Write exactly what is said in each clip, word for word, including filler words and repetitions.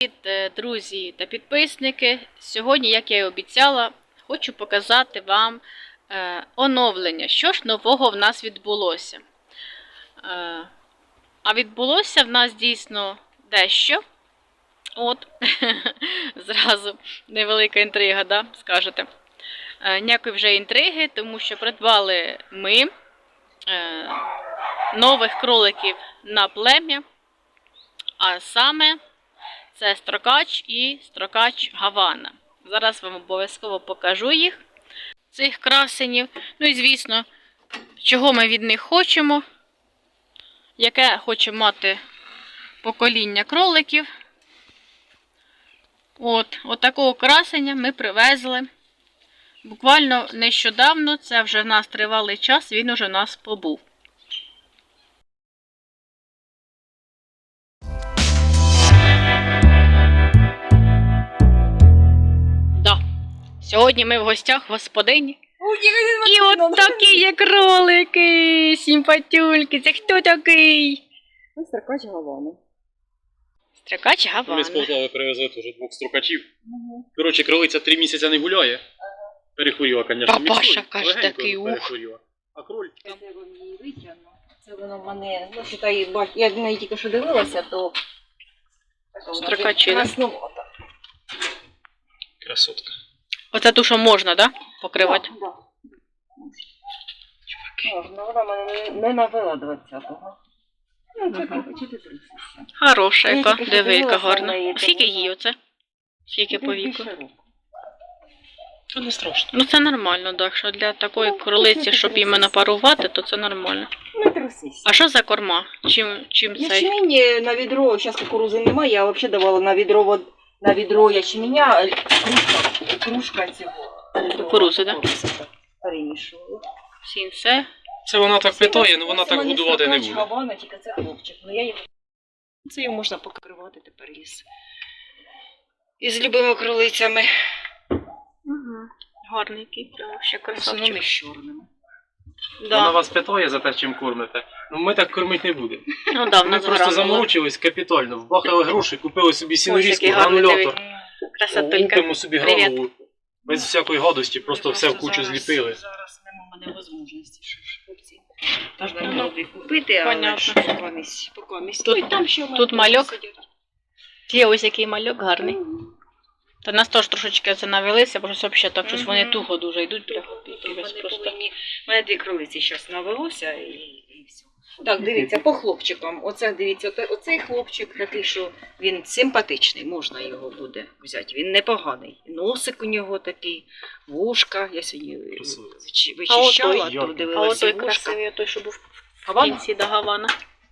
Привіт, друзі та підписники! Сьогодні, як я і обіцяла, хочу показати вам е, оновлення, що ж нового в нас відбулося. Е, а відбулося в нас дійсно дещо. От, зразу невелика інтрига, да, скажете. Е, ніякої вже інтриги, тому що придбали ми е, нових кроликів на плем'я, а саме це строкач і строкач Гавана. Зараз вам обов'язково покажу їх, цих красенів. Ну і звісно, чого ми від них хочемо, яке хоче мати покоління кроликів. От, от такого красення ми привезли. Буквально нещодавно, це вже в нас тривалий час, він уже в нас побув. Сьогодні ми в гостях в господині. І от такі є кролики, симпатюльки. Це хто такий? Строкач Гавана. Строкач Гавана. Ми з Полтави привезли теж двох строкачів. Угу. Коротше, кролиця три місяці не гуляє. Перехворіла, звісно, Папаша, каже, такий ух. Перехворіла. А кроль? Це я вам її витягну. Це воно в мене, ну, считай, я на неї тільки що дивилася, то... Строкачина. Красотка. Оце ту, що можна, да? Покривати? Так, так. Можна, вона мене не навела двадцятого. Ну, чи ти тридцять. Хороша яка, диви, яка гарна. Скільки їй оце? Скільки по віку? Це не страшно. Ну це нормально, так, що для такої кролиці, щоб іменно парувати, то це нормально. Не трусись. А що за корма? Чим, чим цей? Ячмінь на відро, зараз кукурузи немає, я взагалі давала на відро, вод- на відро ячменя, кружка, кружка цього. Кукурузи, так? Перемішувала. Сінце. Це вона так питає, але вона Це так мене годувати не строкач буде. Гавана, тільки це хлопчик. Ну, я його... Це його можна покривати тепер із, із любими кролицями. Угу. Гарний який, прямо ще Красавчик. красавчик. З чорними. Да. Вона вас питає за те, чим кормите. Ну ми так кормити не будемо. Ну да, в Ми нас просто гранула. заморочились капітально, вбахали гроші, купили собі сінорізку, який гарний, гранулятор. диви. Красотулька. Лупимо собі Привіт. гранулу. Без всякої гадості, просто все в кучу зараз, зліпили. Зараз нема в мене можливості, що ж хлопці. Можна молоді купити, але Понятно. ж покомість. покомість. Тут- Ну, і там ще в мене тут теж мальок. сидять. Є ось який мальок гарний. Та нас теж трошечки це навелися, бо щось взагалі так, щось вони Мгм. туго дуже йдуть. Бля, Вони якось просто. повинні- У мене дві кролиці зараз навелося і, і все. Так, дивіться, по хлопчикам. Оце, дивіться, оце- оцей хлопчик такий, що він симпатичний, можна його буде взяти. Він непоганий. Носик у нього такий, вушка. Я сьогодні Красиво. вичи- А отой? вичищала, то Як? А дивилася отой вушка. красивий, той, що був в Гавана? кінці до Гавана.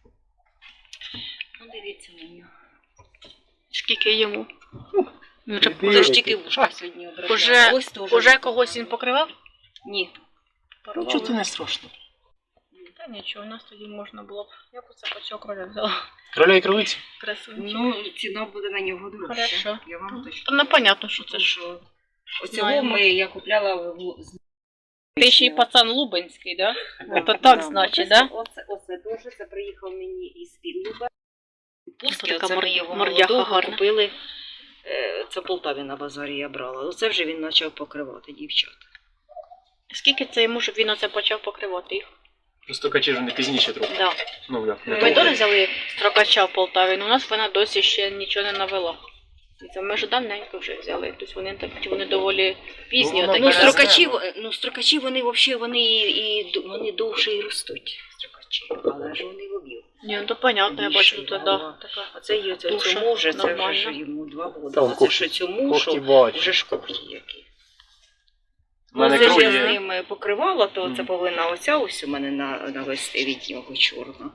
Ну, дивіться на нього. Скільки йому? Він вже- Іди. Це ж тільки вушка сьогодні обрала. Уже, Ось теж. уже когось він покривав? Ні. Ну чого це не страшно? Та нічого, у нас тоді можна було б. Я б це по цього кроля взяла. Кроля і кролиці? Красивий. Ну, ціна буде на нього дорожча. Хорошо. Я вам точно. Та ну понятно, що це Тому ж. що оцього Знаємо. ми, я купляла в з- Ти ще й пацан Лубенський, да? Да, Це так да. значить, Оце- да? Оце, оце дуже, це приїхав мені із Підлуба. Ось така Оце мор- ми його мордяха молодого гарна. купили. е, Це в Полтаві на базарі я брала. Оце вже він почав покривати дівчат. Скільки це йому, щоб він оце почав покривати їх? Просто качі ж вони пізніше трохи. Да. Ну, да, не Ми трохи. теж взяли строкача в Полтаві, але у нас вона досі ще нічого не навела. І це ми ж давненько вже взяли. Тобто вони так, вони доволі пізні. Ну, отакі. Ну, Таке строкачі, знаю. ну, строкачі вони взагалі вони, і, і, вони довше і ростуть. Строкачі. Але ж вони в об'єм. Ні, ну то понятно, я бачу тут, Да. да, така. А це є це Туша цьому вже, це вже нормальна. ж йому два роки. Та, он А це когті- що цьому, Когті що бачу. вже ж когті які. У мене Ну, це ж кроль я з є. ними покривала, то Мгм. це повинна оця ось у мене на, навести від нього чорна.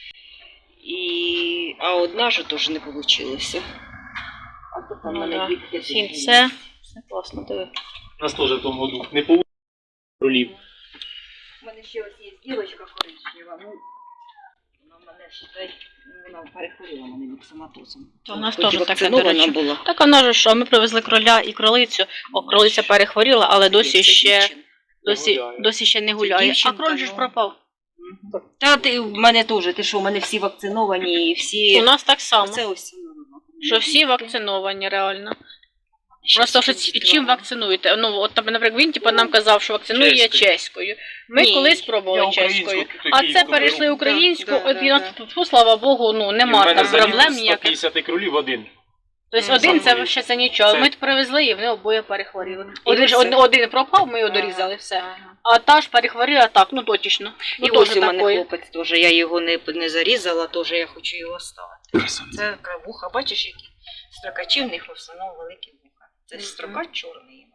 І... А одна ж теж не вийшло. А то там Ну, мене да. дітки Сінце. Все класно, диви. У нас теж в тому году не по кролів. У мене ще ось є дівчинка коричнева, ну, вона в мене, считай, ну, вона перехворіла мене міксоматозом. То у нас Хоч теж таке, до вакцинована речі. була. Так вона ж, що ми привезли кроля і кролицю. О, кролиця перехворіла, але досі Це ще, дівчинка. досі, гуляє. досі ще не гуляє. А дівчинка, кроль же ж ну. пропав. Та ти в мене теж, ти що, у мене всі вакциновані і всі... У нас так само. Це ось воно, що всі вакциновані реально. Просто що ці- чим вакцинуєте? Ну, от, наприклад, він типу, нам казав, що вакцинує Чеською. чеською. Ми Ні, колись Я пробували українську чеською. такі А це беру. перейшли українську, Да, да, от і да, на тьфу, слава Богу, ну І в нема мене там заліз проблем сто ніяких. п'ятдесят кролів один. Тобто Мгм. один це Сам ще це нічого. Це- Ми привезли і вони обоє перехворіли. І Один, ж- все. один, один пропав, ми його дорізали, все. Ага. А та ж перехворіла так, ну точно. Ну, І теж ось у мене такої. хлопець теж, я його не, не зарізала, теж я хочу його ставити. Це вуха, бачиш, які строкачі в них в основному великі вуха. Це Мгм. строка чорний іменно.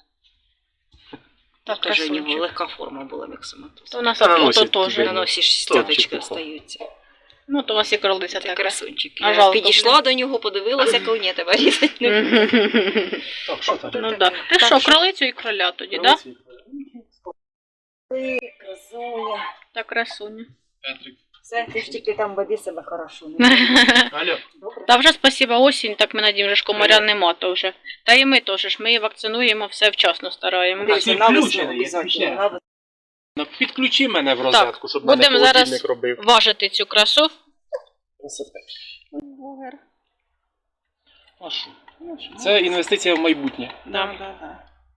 Так, Теж у нього красунчик. легка форма була міксоматоза. То у нас А, ото ось то і теж. тебе. На носі ж Топчик стяточки попав. остаються. Ну, то у вас і кролиця Це така. красунчик. А Я жалко, підійшла до нього, подивилася, коли ні, тебе різати не буду. Так, що там? Ну так. Ти що, кролицю і кроля тоді, так? Красуня. Так, красуня. Петрик. Все, ти ж тільки там веди себе хорошо. Алло. Добре? Та вже спасіба осінь, так ми надіємо, що комаря нема то вже. Та і ми теж ж, ми її вакцинуємо, все вчасно стараємо. Так, Дивіться, ти на весну включений, обов'язково, включений. на весну. Ну, підключи мене в розетку, щоб будемо мене зараз- холодильник робив. Важити цю красу. Красота. А що? Це інвестиція в майбутнє. Да. Да, да.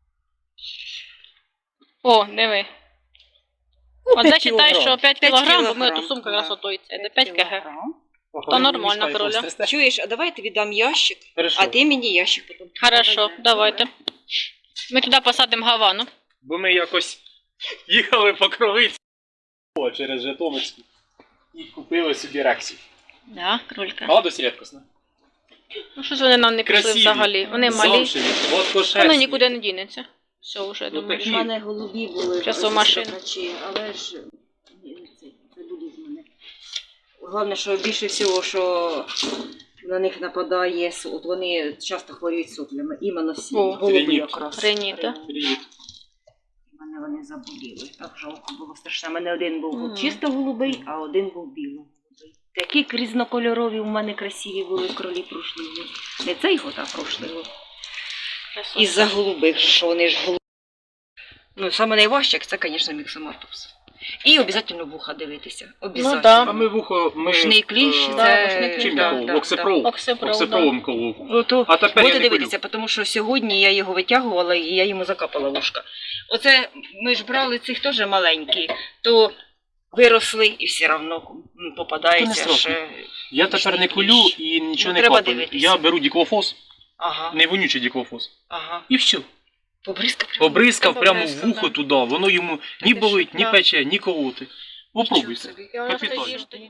О, диви. От зачитай, що п'ять П'ять кілограм, бо ми кілограм, оту сумку да. якраз отої це, де п'ять кг. кілограм. То нормально, кроля. Чуєш, а давай я тобі дам ящик, Хорошо. а ти мені ящик потім. Хорошо, давайте. Ми туди посадимо гавану. Бо ми якось їхали по кровиці О, через Житомирську і купили собі рексів. Да, кролька. А досить рідкосно. Ну щось вони нам не пішли Красиві. взагалі. Вони малі. Замшеві, гладкошерстні. Воно нікуди не дінеться. Все, вже Ну, думаю. такі. У мене голубі були. Щас у ось машину. строкачі, але ж ні, це, це буде з мене. Головне, що більше всього, що на них нападає, с- от вони часто хворіють соплями. Іменно всі О, голуби реніт. якраз. Реніт, да? Привіт. У мене вони заболіли. Так жалко було страшно. У мене один був Мгм. чисто голубий, а один був білий. Такі різнокольорові у мене красиві були кролі прошлили. Не цей год, а прошлий. Із-за голубих, що вони ж голубі. Ну, саме найважче, це, звісно, міксоматоз. І обов'язково вуха дивитися. Обов'язково. Ну, да. А ми вухо, ми... Мушний кліщ, е, да, мушний кліщ, Чим да, я колов? да, Оксипрол. Оксипрол, Оксипролом колов. Ото, А тепер я будете не дивитися, тому що сьогодні я його витягувала і я йому закапала вушка. Оце ми ж брали цих теж маленькі, то виросли і все одно То не попадається страшно. ще. Я тепер не колю і нічого Ну, не треба капаю. дивитися. Я беру діклофос, Ага, не вонючий діклофос. ага. І все. Побризка прямо. Побризкав Та прямо в побризкав, вухо да. туди, воно йому ні Ти болить, що, ні да. пече, ні колоти. Попробуй це. Нічого собі. І воно Капітально. стоїш тоді.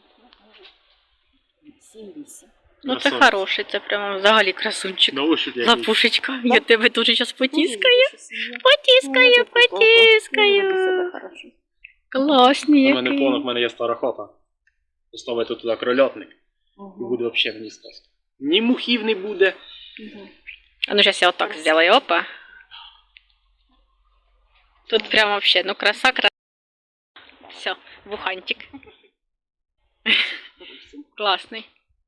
Сім вісім. Ну це Красавець. хороший, це прямо взагалі красунчик. На ощупь який. Лапушечка, я тебе дуже зараз потіскаю. Потіскаю, потіскаю. Класні У мене які. понад, в мене є стара хата. Поставити туди крольотник і буде взагалі мені сказка. Ні мухів не буде. А ну зараз я отак зроблю, опа. Тут прямо вообще, ну краса, краса. Все, вухантик. Класний.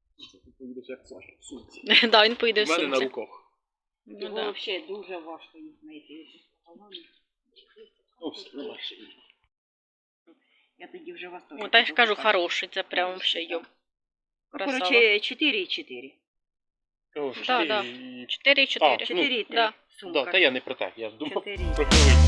Да, він поїде в У мене на сумці. руках. Ну, Його да. взагалі дуже важко їх знайти. Ну, все, ну, бачиш. Я тоді вже вас теж. Ну, та я ж кажу, хороший, це прямо вообще йоп. Красава. Коротше, чотири і чотири. О, Да, чотири да. і- чотири і чотири. А, ну, Чотири і три. да. Сумка. Да, та я не про так, я думав Чотири. про кролицю.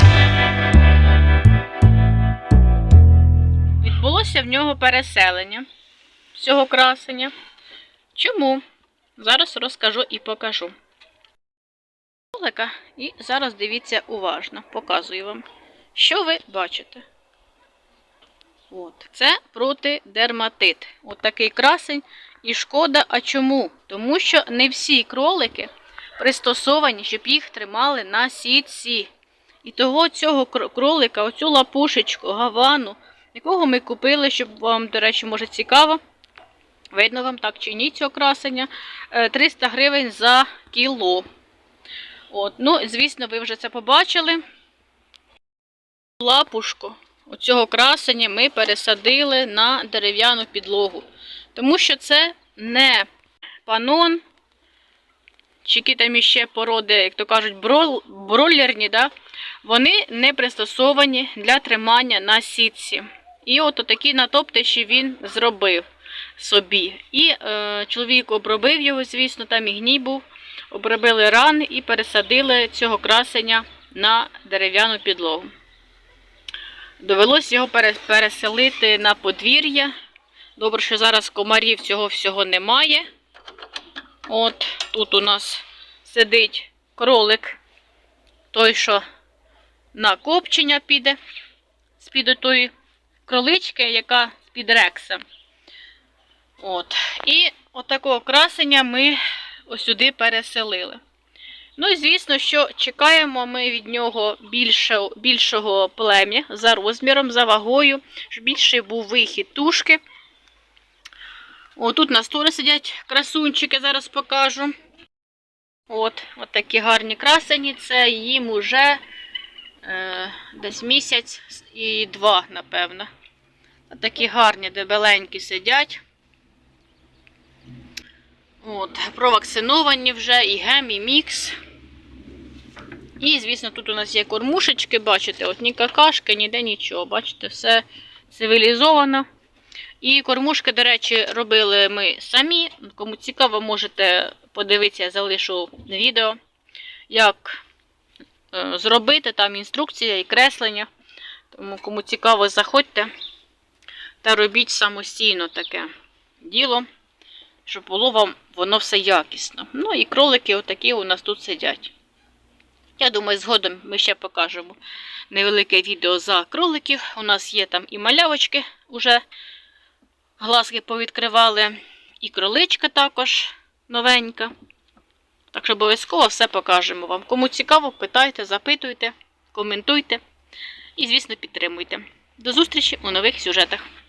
Відбулося в нього переселення цього красення. Чому? Зараз розкажу і покажу. Кролика. І зараз дивіться уважно, показую вам. Що ви бачите? От. Це протидерматит. От такий красень. І шкода, а чому? Тому що не всі кролики пристосовані, щоб їх тримали на сітці. І того цього кр- кролика, оцю лапушечку, гавану, якого ми купили, щоб вам, до речі, може цікаво, видно вам так чи ні цього красення, е, триста гривень за кіло. От, ну, звісно, ви вже це побачили. Лапушку оцього красення ми пересадили на дерев'яну підлогу. Тому що це не панон, чи які там іще породи, як то кажуть, брол, бройлерні, да? Вони не пристосовані для тримання на сітці. І от такі натоптиші він зробив. собі. І е, чоловік обробив його, звісно, там і гній був. Обробили ран і пересадили цього красення на дерев'яну підлогу. Довелось його переселити на подвір'я. Добре, що зараз комарів цього всього немає. От тут у нас сидить кролик, той, що на копчення піде, з-під тої кролички, яка з-під рекса. От. І отакого красення ми ось сюди переселили. Ну і звісно, що чекаємо ми від нього більше, більшого плем'я за розміром, за вагою, щоб більший був вихід тушки. О, тут на стороні сидять красунчики, зараз покажу. От, от такі гарні красені, це їм уже е, десь місяць і два, напевно. От такі гарні, дебеленькі сидять. От, провакциновані вже, і гем, і мікс. І, звісно, тут у нас є кормушечки, бачите, от ні какашки, ніде нічого, бачите, все цивілізовано. І кормушки, до речі, робили ми самі. Кому цікаво, можете подивитися, я залишу відео, як е, зробити, там інструкція і креслення. Тому кому цікаво, заходьте та робіть самостійно таке діло, щоб було вам воно все якісно. Ну і кролики отакі у нас тут сидять. Я думаю, згодом ми ще покажемо невелике відео за кроликів. У нас є там і малявочки, уже глазки повідкривали, і кроличка також новенька. Так що обов'язково все покажемо вам. Кому цікаво, питайте, запитуйте, коментуйте і, звісно, підтримуйте. До зустрічі у нових сюжетах.